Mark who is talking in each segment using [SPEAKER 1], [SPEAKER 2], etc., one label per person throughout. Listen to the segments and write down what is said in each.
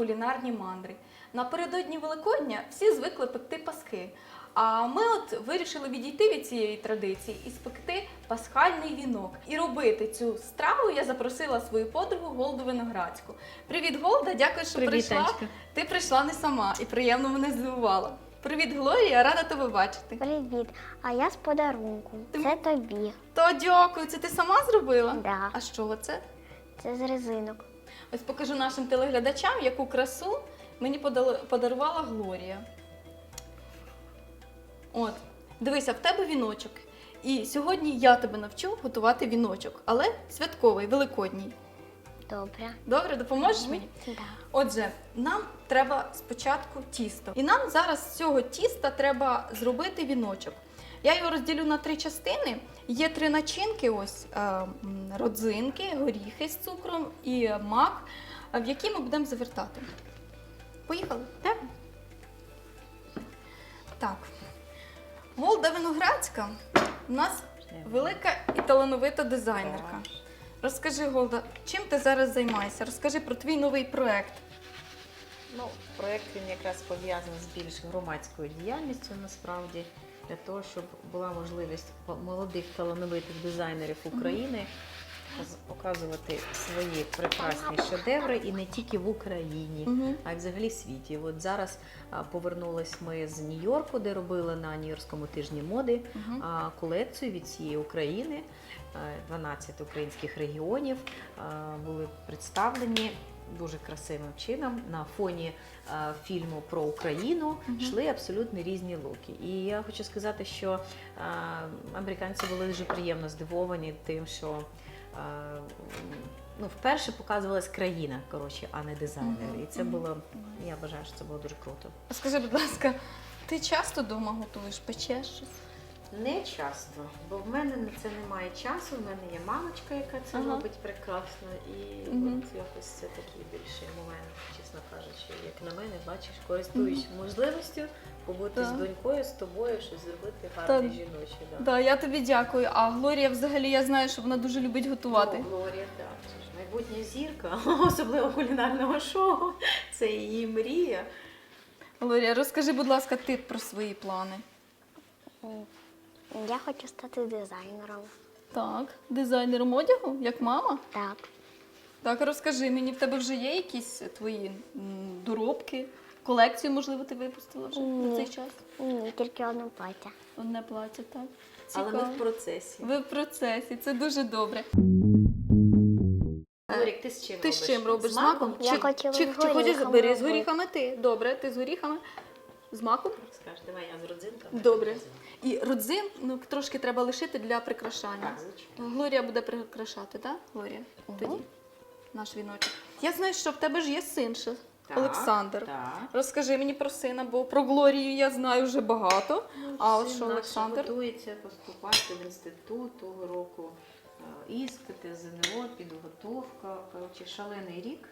[SPEAKER 1] кулінарні мандри. Напередодні Великодня всі звикли пекти паски. А ми от вирішили відійти від цієї традиції і спекти пасхальний вінок. І робити цю страву я запросила свою подругу Голду Виноградську. Привіт, Голда, дякую, що прийшла.
[SPEAKER 2] Танечка.
[SPEAKER 1] Ти прийшла не сама і приємно мене здивувала. Привіт, Глорія, рада тебе бачити.
[SPEAKER 3] Привіт, а я з подарунком. Це тобі.
[SPEAKER 1] То дякую, це ти сама зробила?
[SPEAKER 3] Да.
[SPEAKER 1] А що це?
[SPEAKER 3] Це з резинок.
[SPEAKER 1] Ось покажу нашим телеглядачам, яку красу мені подарувала Глорія. От, дивися, в тебе віночок. І сьогодні я тебе навчу готувати віночок, але святковий, великодній.
[SPEAKER 3] Добре.
[SPEAKER 1] Добре, допоможеш мені?
[SPEAKER 3] Да.
[SPEAKER 1] Отже, нам треба спочатку тісто. І нам зараз з цього тіста треба зробити віночок. Я його розділю на 3 частини. Є 3 начинки, ось родзинки, горіхи з цукром і мак, в які ми будемо завертати. Поїхали? Так? Так. Голда Виноградська у нас велика і талановита дизайнерка. Розкажи, Голда, чим ти зараз займаєшся? Розкажи про твій новий проєкт.
[SPEAKER 2] Ну, проєкт він якраз пов'язаний з більш громадською діяльністю насправді, для того, щоб була можливість молодих талановитих дизайнерів України показувати свої прекрасні шедеври і не тільки в Україні, а й взагалі в світі. От зараз повернулись ми з Нью-Йорку, де робили на Нью-Йоркському тижні моди колекцію від всієї України. 12 українських регіонів були представлені дуже красивим чином. На фоні фільму про Україну йшли абсолютно різні луки. І я хочу сказати, що американці були дуже приємно здивовані тим, що вперше показувалась країна, коротше, а не дизайнер. І це було, я вважаю, що це було дуже круто.
[SPEAKER 1] Скажи, будь ласка, ти часто вдома готуєш, печеш щось?
[SPEAKER 2] Не часто, бо в мене на це немає часу, в мене є мамочка, яка це робить прекрасно, і от якось це такий більший момент, чесно кажучи, як на мене, бачиш, користуюсь можливістю побути з донькою, з тобою, щось зробити гарне жіноче.
[SPEAKER 1] Да, я тобі дякую. А Глорія взагалі, я знаю, що вона дуже любить готувати.
[SPEAKER 2] Ну, Глорія, так, це ж майбутня зірка, особливо кулінарного шоу, це її мрія.
[SPEAKER 1] Глорія, розкажи, будь ласка, ти про свої плани.
[SPEAKER 3] Я хочу стати дизайнером.
[SPEAKER 1] Так, дизайнером одягу, як мама?
[SPEAKER 3] Так.
[SPEAKER 1] Так, розкажи мені, в тебе вже є якісь твої доробки? Колекцію, можливо, ти випустила вже на цей час?
[SPEAKER 3] Ні, тільки одне плаття.
[SPEAKER 1] Одне плаття, так.
[SPEAKER 2] Але ми в процесі.
[SPEAKER 1] Ви в процесі, це дуже добре.
[SPEAKER 2] Лорік, ти з чим
[SPEAKER 1] Ти
[SPEAKER 2] робиш?
[SPEAKER 1] з чим робиш? З маком?
[SPEAKER 3] Я хотіла з
[SPEAKER 1] Чи хочеш
[SPEAKER 3] горіхами
[SPEAKER 1] бери з
[SPEAKER 3] робити.
[SPEAKER 1] горіхами ти? Добре, ти з горіхами? З маком?
[SPEAKER 2] Скажеш, давай я з родзинками.
[SPEAKER 1] Добре. І родзин трошки треба лишити для прикрашання.
[SPEAKER 2] Так, звичайно.
[SPEAKER 1] Глорія буде прикрашати, так? Глорія? Тоді наш віночок. Я знаю, що в тебе ж є син ще,
[SPEAKER 2] Так,
[SPEAKER 1] Олександр.
[SPEAKER 2] так.
[SPEAKER 1] Розкажи мені про сина, бо про Глорію я знаю вже багато. А от
[SPEAKER 2] Син
[SPEAKER 1] що
[SPEAKER 2] наш
[SPEAKER 1] Олександр?
[SPEAKER 2] готується поступати в інститут того року. Іспити, ЗНО, підготовка. Коротше, шалений рік.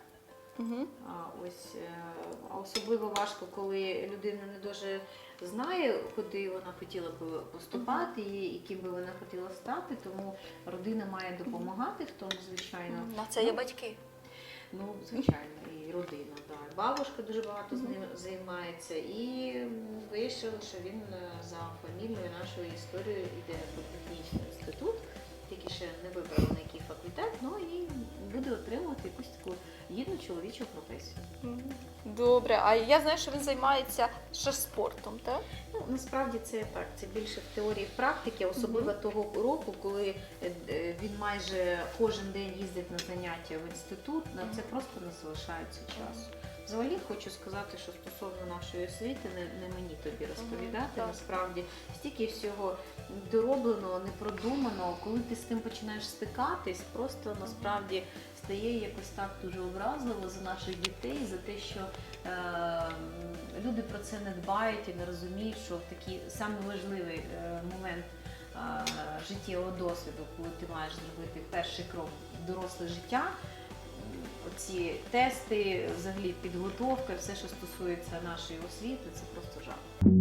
[SPEAKER 2] А особливо важко, коли людина не дуже знає, куди вона хотіла б поступати і ким би вона хотіла стати, тому родина має допомагати в тому, звичайно.
[SPEAKER 1] На це є батьки.
[SPEAKER 2] Ну, звичайно, і родина. Так. Бабушка дуже багато з ним займається, і вирішили, що він за фамільною нашою історією йде в політехнічний інститут, тільки ще не вибрав на який факультет, ну і буде отримувати якусь таку гідну чоловічу професію.
[SPEAKER 1] Добре, а я знаю, що він займається ще спортом, так?
[SPEAKER 2] Ну, насправді це так, це більше в теорії, в практиці, особливо того року, коли він майже кожен день їздить на заняття в інститут, на це просто не залишається часу. Взагалі хочу сказати, що стосовно нашої освіти, не мені тобі розповідати, насправді стільки всього дороблено, не продумано, коли ти з тим починаєш стикатись, просто насправді стає якось так дуже образливо за наших дітей, за те, що люди про це не дбають і не розуміють, що в такий самий важливий момент життєвого досвіду, коли ти маєш зробити перший крок в доросле життя, оці тести, взагалі підготовка, все, що стосується нашої освіти, це просто жах.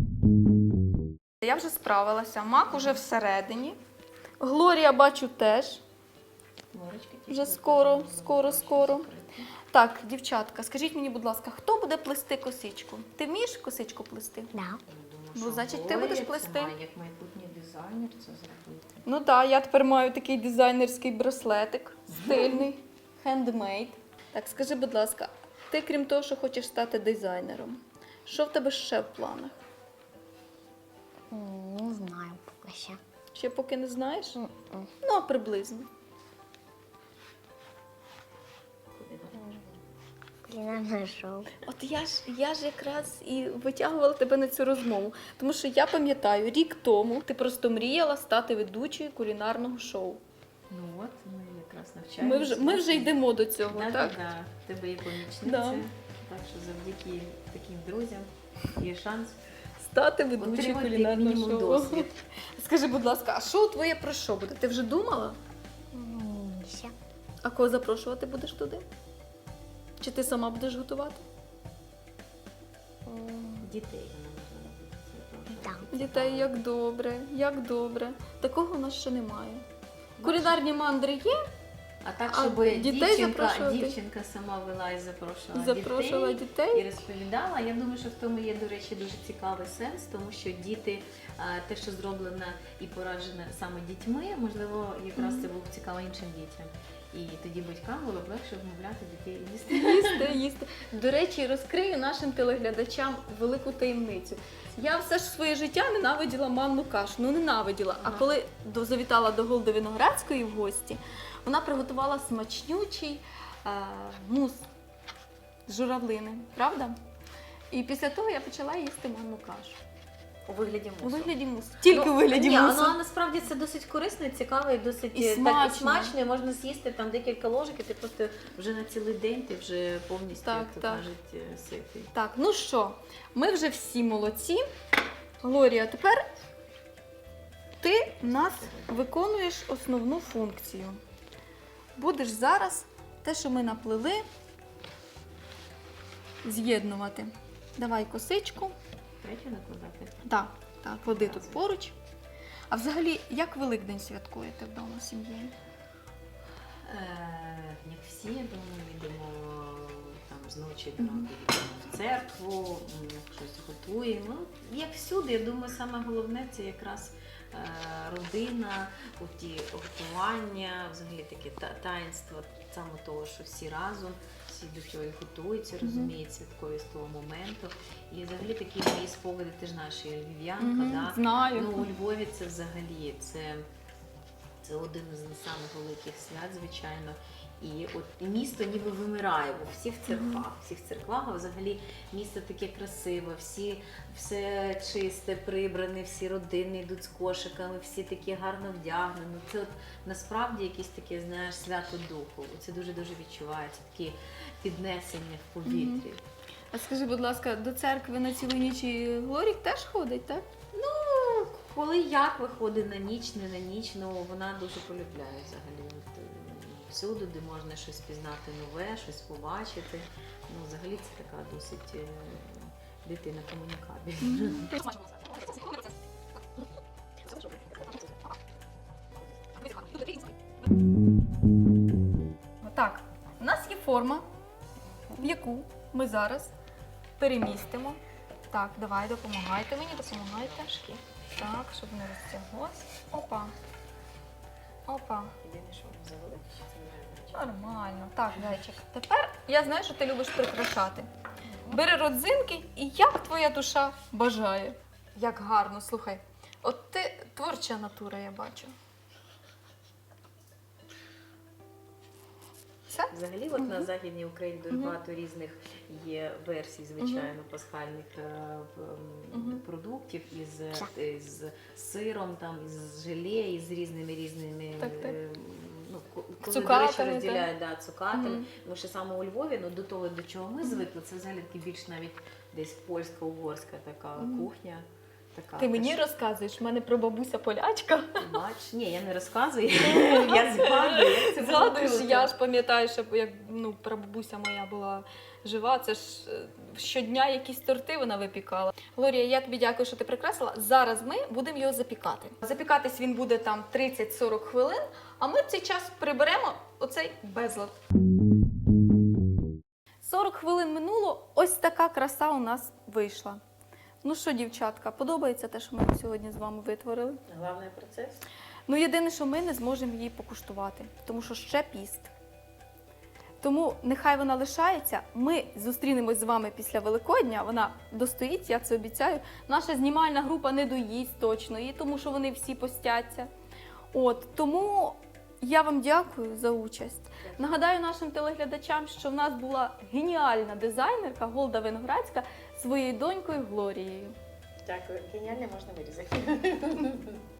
[SPEAKER 1] Я вже справилася, мак уже всередині. Глорія, бачу, теж.
[SPEAKER 2] Морочка,
[SPEAKER 1] Вже скоро. Так, дівчатка, скажіть мені, будь ласка, хто буде плести косичку? Ти вмієш косичку плести?
[SPEAKER 3] Да.
[SPEAKER 1] Ну, значить, ти будеш плести.
[SPEAKER 2] Як майбутній дизайнер це зробити.
[SPEAKER 1] Ну так, я тепер маю такий дизайнерський браслетик, стильний, хендмейд. Так, скажи, будь ласка, ти крім того, що хочеш стати дизайнером, що в тебе ще в планах?
[SPEAKER 3] Не знаю поки ще.
[SPEAKER 1] Ще поки не знаєш?
[SPEAKER 3] М-м.
[SPEAKER 1] Ну, а приблизно.
[SPEAKER 3] Кулінарне шоу.
[SPEAKER 1] От я ж якраз і витягувала тебе на цю розмову. Тому що я пам'ятаю, рік тому ти просто мріяла стати ведучою кулінарного шоу.
[SPEAKER 2] Ну от, ми якраз навчаємося.
[SPEAKER 1] Ми вже йдемо до цього,
[SPEAKER 2] Да,
[SPEAKER 1] так?
[SPEAKER 2] да. В тебе є помічниця,
[SPEAKER 1] Да.
[SPEAKER 2] так що завдяки таким друзям є шанс
[SPEAKER 1] Стати ведучою
[SPEAKER 2] отримати
[SPEAKER 1] кулінарного
[SPEAKER 2] мінімум
[SPEAKER 1] шоу.
[SPEAKER 2] досвід.
[SPEAKER 1] Скажи, будь ласка, а шоу твоє про що буде? Ти вже думала?
[SPEAKER 3] Ще.
[SPEAKER 1] А кого запрошувати будеш туди? Чи ти сама будеш готувати?
[SPEAKER 2] Дітей вона можна робити.
[SPEAKER 3] Так.
[SPEAKER 1] Дітей, як добре, як добре. Такого у нас ще немає. Кулінарні мандри є,
[SPEAKER 2] А так,
[SPEAKER 1] А
[SPEAKER 2] щоб
[SPEAKER 1] дітей запрошувати?
[SPEAKER 2] дівчинка сама вела і
[SPEAKER 1] запрошувала
[SPEAKER 2] дітей і
[SPEAKER 1] дітей.
[SPEAKER 2] розповідала. Я думаю, що в тому є, до речі, дуже цікавий сенс, тому що діти, те, що зроблено і пораджено саме дітьми, можливо, якраз це було б цікаво іншим дітям. І тоді батькам було б легше вмовляти дітей їсти.
[SPEAKER 1] Їсти. До речі, розкрию нашим телеглядачам велику таємницю. Я все ж своє життя ненавиділа манну кашу. Ну, ненавиділа. А
[SPEAKER 2] Ага.
[SPEAKER 1] коли завітала до Голди Виноградської в гості, вона приготувала смачнючий мус з журавлини, правда? І після того я почала їсти манну кашу.
[SPEAKER 2] У вигляді
[SPEAKER 1] У
[SPEAKER 2] мусу.
[SPEAKER 1] вигляді мусу. Тільки у вигляді
[SPEAKER 2] ні,
[SPEAKER 1] мусу.
[SPEAKER 2] ну, насправді це досить корисно і цікаво, і досить
[SPEAKER 1] І
[SPEAKER 2] так,
[SPEAKER 1] смачно.
[SPEAKER 2] і смачно, і можна з'їсти там декілька ложок, і ти просто вже на цілий день ти вже повністю,
[SPEAKER 1] Так,
[SPEAKER 2] як то
[SPEAKER 1] так.
[SPEAKER 2] кажуть, ситий.
[SPEAKER 1] Так, ну що, ми вже всі молодці. Глорія, тепер ти в нас виконуєш основну функцію. Будеш зараз те, що ми наплели, з'єднувати. Давай косичку.
[SPEAKER 2] Третю накладати.
[SPEAKER 1] Так, так, клади тут поруч. А взагалі, як Великдень святкуєте вдома з сім'єю?
[SPEAKER 2] Як всі, я думаю, йдемо там зночі до ранку йдемо в церкву, щось готуємо. Ну, як всюди, я думаю, саме головне це якраз родина, ті готування, взагалі таке таїнство саме того, що всі разом, всі до чого готуються, розуміють святкові з того моменту. І взагалі такі мої спогади, ти ж наша львів'янка, да?
[SPEAKER 1] Знаю.
[SPEAKER 2] Ну, у Львові це взагалі, це один із самих великих свят, звичайно. І от місто ніби вимирає у всіх церквах, а взагалі місто таке красиве, все чисте, прибране, всі родини йдуть з кошиками, всі такі гарно вдягнені. Це от насправді якесь таке, знаєш, свято духу. Це дуже-дуже відчувається, такі піднесення в повітрі.
[SPEAKER 1] А скажи, будь ласка, до церкви на цілу ніч і Глорік теж ходить, так?
[SPEAKER 2] Коли як виходить на ніч, не на ніч, ну вона дуже полюбляє взагалі. От, всюди, де можна щось пізнати нове, щось побачити. Ну, взагалі це така досить дитина комунікабельна.
[SPEAKER 1] Так, у нас є форма, в яку ми зараз перемістимо. Так, давай, допомагайте мені, допомагайте. Так, щоб не розтяглось. Опа. Опа.
[SPEAKER 2] Єдине, що завелик, що це не
[SPEAKER 1] Нормально. Так, зайчик. Тепер я знаю, що ти любиш прикрашати. Бери родзинки і як твоя душа бажає. Як гарно, слухай. От ти творча натура, я бачу. Все?
[SPEAKER 2] Взагалі, от на Західній Україні дуже багато різних є версій, звичайно, пасхальних продуктів із сиром, там, із желе, із різними
[SPEAKER 1] Так.
[SPEAKER 2] ну, коли, до
[SPEAKER 1] Цукатами,
[SPEAKER 2] речі, розділяють цукатами. Тому що саме у Львові, ну, до того, до чого ми звикли, це взагалі більш навіть десь польська-угорська така кухня. Така,
[SPEAKER 1] Ти мені розказуєш, в мене прабабуся полячка.
[SPEAKER 2] Бач, ні, я не розказую, я згадую, як це було
[SPEAKER 1] Згадуєш,
[SPEAKER 2] круто.
[SPEAKER 1] я ж пам'ятаю, що як прабабуся моя була жива, це ж щодня якісь торти вона випікала. Глорія, я тобі дякую, що ти прикрасила. Зараз ми будемо його запікати. Запікатись він буде там 30-40 хвилин, а ми в цей час приберемо оцей безлад. хвилин минуло, ось така краса у нас вийшла. Ну що, дівчатка, подобається те, що ми сьогодні з вами витворили?
[SPEAKER 2] Головний процес.
[SPEAKER 1] Ну, єдине, що ми не зможемо її покуштувати, тому що ще піст. Тому нехай вона лишається. Ми зустрінемось з вами після Великодня. Вона достоїть, я це обіцяю. Наша знімальна група не доїсть точно її, тому що вони всі постяться. От, тому я вам дякую за участь. Нагадаю нашим телеглядачам, що в нас була геніальна дизайнерка Голда Виноградська зі своєю донькою Глорією.
[SPEAKER 2] Дякую. Геніально, можна вирізати.